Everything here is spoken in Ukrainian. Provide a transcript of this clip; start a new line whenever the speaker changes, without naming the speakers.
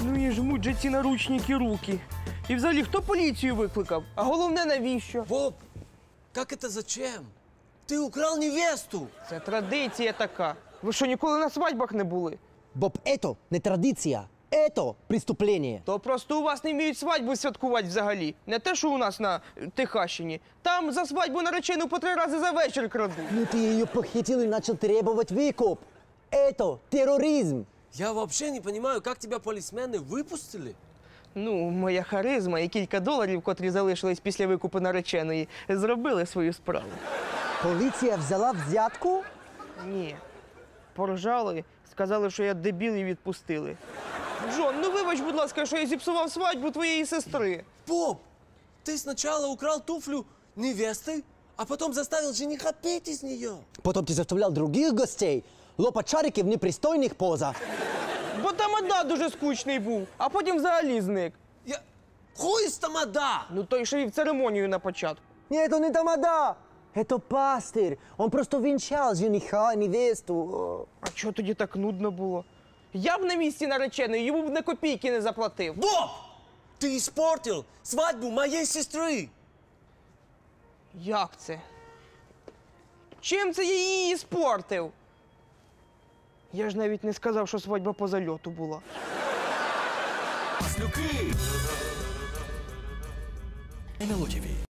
Ну і жмуть же ці наручники руки. І взагалі, хто поліцію викликав? А головне, навіщо?
Боб, как это зачем? Ты украл невесту!
Це традиція така. Ви що, ніколи на свадьбах не були?
Боб, это не традиция, это преступление.
То просто у вас не вміють свадьбу святкувати взагалі. Не те, що у нас на Техащині. Там за свадьбу наречену по 3 рази за вечір крадуть.
Ну ты ее похитил и начал требовать выкуп. Это терроризм.
Я вообще не понимаю, как тебя полисмены выпустили?
Ну, моя харизма і кілька доларів, котрі залишились після викупу нареченої, зробили свою справу.
Полиция взяла взятку?
Ні. Поржали, сказали, що я дебіл і відпустили. Джон, ну вибач, будь ласка, що я зіпсував свадьбу твоєї сестри.
Боб, ты сначала украл туфлю невесты, а потом заставил жениха петь из нее.
Потом ты заставлял других гостей лопать шарики в непристойных позах.
Бо тамада дуже скучний був, а потім взагалі зник.
Хуй с тамада!
Ну той, що і в церемонію на початку.
Нет, это не тамада. Это пастырь. Он просто венчал жениха и невесту.
А чого тоді так нудно було? Я б на місці нареченої йому б на копійки не заплатив.
Боб, ты испортил свадьбу моей сестры.
Як це? Чим це я її спортив? Я ж навіть не сказав, що свадьба по зальоту була.
Маслюки! НЛО ТВ.